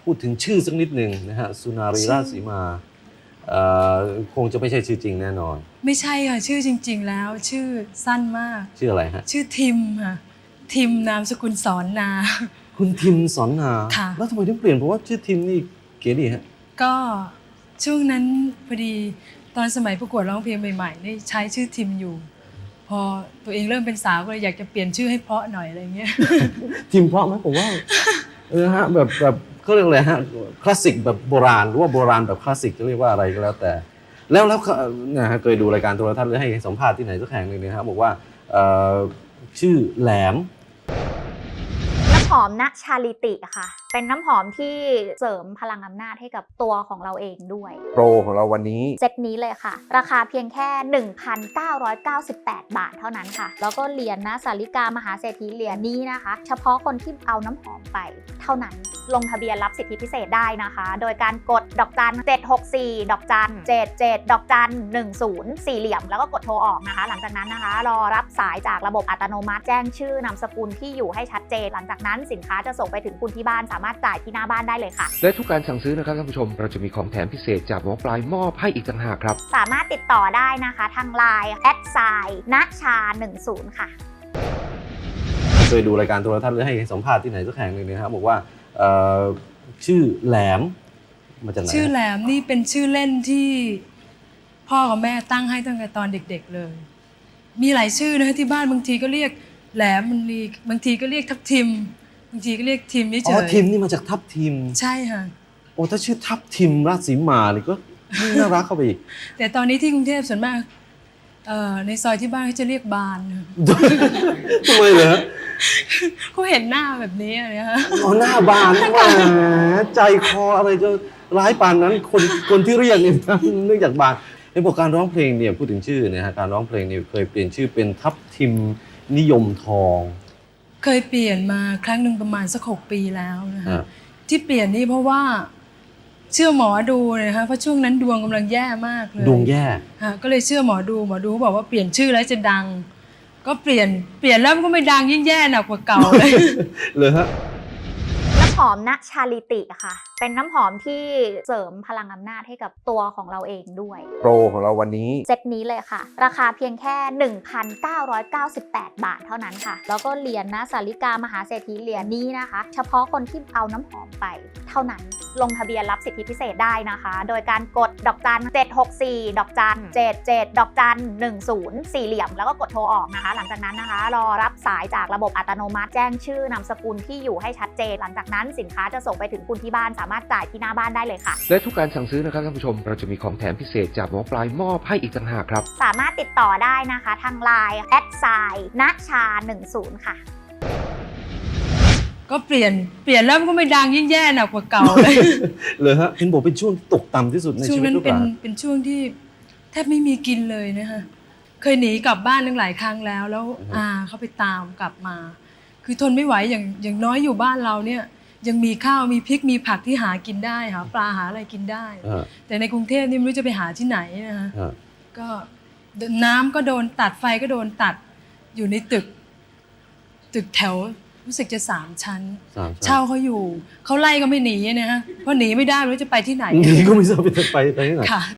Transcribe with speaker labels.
Speaker 1: พูดถึงชื่อสักนิดหนึ่งนะฮะสุนารีราชสีมาคงจะไม่ใช่ชื่อจริงแน่นอน
Speaker 2: ไม่ใช่ค่ะชื่อจริงๆแล้วชื่อสั้นมาก
Speaker 1: ชื่ออะไรฮะ
Speaker 2: ชื่อทิมค่ะทิมนามสกุลสอนนา
Speaker 1: คุณทิมสอนนา
Speaker 2: ค่ะ
Speaker 1: แล้วทำไมถึงเปลี่ยนเพราะว่าชื่อทิมนี่เก๋ดีฮะ
Speaker 2: ก็ช่วงนั้นพอดีตอนสมัยประกวดร้องเพลงใหม่ๆนี่ใช้ชื่อทิมอยู่พอตัวเองเริ่มเป็นสาวก็เลยอยากจะเปลี่ยนชื่อให้เพราะหน่อยอะไรเงี้ย
Speaker 1: ทิมเพราะไหมผมว่าฮะแบบเขาเรียกอะไรฮะคลาสสิกแบบโบราณหรือว่าโบราณแบบคลาสสิกจะเรียกว่าอะไรก็แล้วแต่แล้วนะฮะเคยดูรายการโทรทัศน์หรือให้สัมภาษณ์ที่ไหนสักแห่งหนึ่งนะครับบอกว่าชื่อแหลม
Speaker 3: น้ำหอมณชาลิติค่ะเป็นน้ำหอมที่เสริมพลังอำนาจให้กับตัวของเราเองด้วย
Speaker 4: โปรของเราวันนี้
Speaker 3: เซตนี้เลยค่ะราคาเพียงแค่ 1,998 บาทเท่านั้นค่ะแล้วก็เหรียญนะสาริกามหาเศรษฐีเหรียญนี้นะคะเฉพาะคนที่เอาน้ำหอมไปเท่านั้นลงทะเบียนรับสิทธิพิเศษได้นะคะโดยการกดดอกจัน764ดอกจัน77ดอกจัน10สี่เหลี่ยมแล้วก็กดโทรออกนะคะหลังจากนั้นนะคะรอรับสายจากระบบอัตโนมัติแจ้งชื่อนามสกุลที่อยู่ให้ชัดเจนหลังจากนั้นสินค้าจะส่งไปถึงคุณที่บ้านสามารถจ่ายที่หน้าบ้านได้เลยค่ะ
Speaker 4: และทุกการสั่งซื้อนะครับท่านผู้ชมเราจะมีของแถมพิเศษจากหมอปลายมอบให้อีกต่างหากครับ
Speaker 3: สามารถติดต่อได้นะคะทาง LINE @ณชา10ค่ะ
Speaker 1: เคยดูรายการโทรทัศน์หรือให้สัมภาษณ์ที่ไหนสักแห่งหนึ่งนะครับบอกว่าชื่อแหลมมาจากไหน
Speaker 2: ชื่อแหลมนี่เป็นชื่อเล่นที่พ่อกับแม่ตั้งให้ตั้งแต่ตอนเด็กๆเลยมีหลายชื่อนะที่บ้านบางทีก็เรียกแหลมบางทีก็เรียกทับทิมบางทีก็เรียกทิมเฉย
Speaker 1: ทิมนี่มาจากทับทิม
Speaker 2: ใช่ค่ะ
Speaker 1: โอ้ถ้าชื่อทับทิมราชสีมานี่ก็น่ารักเข้าไปอีก
Speaker 2: แต่ตอนนี้ที่กรุงเทพส่วนมากในซอยที่บ้านเขาจะเรียกบาน
Speaker 1: ทำไมเหรอ
Speaker 2: เขาเห็นหน้าแบบนี้อะไรฮะ
Speaker 1: หน้าบานแหมใจคออะไรจะร้ายปานนั้นคนที่เรียกเนี่ยเนื่องจากบานในบทการร้องเพลงเนี่ยพูดถึงชื่อเนี่ยฮะการร้องเพลงเนี่ยเคยเปลี่ยนชื่อเป็นทับทิมนิยมทอง
Speaker 2: เคยเปลี่ยนมาครั้งหนึ่งประมาณสัก6 ปีแล้วนะคะที่เปลี่ยนนี่เพราะว่าเชื่อหมอดูเลยนะคะเพราะช่วงนั้นดวงกำลังแย่มากเลย
Speaker 1: ดวงแย่
Speaker 2: ก็เลยเชื่อหมอดูเขาบอกว่าเปลี่ยนชื่อแล้วจะดังก็เปลี่ยนแล้วมันก็ไม่ดังยิ่งแย่หนักกว่าเก่าเลย
Speaker 1: เลยฮะ
Speaker 3: น้ำหอมณชาลิติค่ะเป็นน้ำหอมที่เสริมพลังอำนาจให้กับตัวของเราเองด้วย
Speaker 4: โปรของเราวันนี้
Speaker 3: เซตนี้เลยค่ะราคาเพียงแค่ 1,998 บาทเท่านั้นค่ะแล้วก็เหรียญนะสาริกามหาเศรษฐีเหรียญนี้นะคะเฉพาะคนที่เอาน้ำหอมไปเท่านั้นลงทะเบียนรับสิทธิพิเศษได้นะคะโดยการกดดอกจัน764ดอกจัน77ดอกจัน10สี่เหลี่ยมแล้วก็กดโทรออกนะคะหลังจากนั้นนะคะรอรับสายจากระบบอัตโนมัติแจ้งชื่อนามสกุลที่อยู่ให้ชัดเจนหลังจากนั้นสินค้าจะส่งไปถึงคุณที่บ้านสามารถจ่ายที่หน้าบ้านได้เลยค่ะ
Speaker 4: และทุกการสั่งซื้อนะครับท่านผู้ชมเราจะมีของแถมพิเศษจากหมอปลายมอบให้อีกต่างหากครับ
Speaker 3: สามารถติดต่อได้นะคะทาง LINE @ณชา10ค่ะ
Speaker 2: ก็เปลี่ยนแล้วมันก็ไม่ดังยิ่งแย่หนักกว่าเก่า
Speaker 1: เลยฮะเห็นบอกเป็นช่วงตกต่ำที่สุดในชีวิต
Speaker 2: ช่วงนั้นเป็นช่วงที่แทบไม่มีกินเลยนะคะเคยหนีกลับบ้านตั้งหลายครั้งแล้วเขาไปตามกลับมาคือทนไม่ไหวอย่างน้อยอยู่บ้านเราเนี่ยยังมีข้าวมีพริกมีผักที่หากินได้หาปลาหาอะไรกินได้แต่ในกรุงเทพนี่ไม่รู้จะไปหาที่ไหนนะคะก็น้ำก็โดนตัดไฟก็โดนตัดอยู่ในตึกแถวรู้สึกจะ3 ชั้นเช่าเขาอยู่เขาไล่ก็ไม่หนีนะฮะเพราะหนีไม่ได้ไม่รู้จะไปที่ไหน
Speaker 1: หนีก็ไม่ทราบไปที่ไหน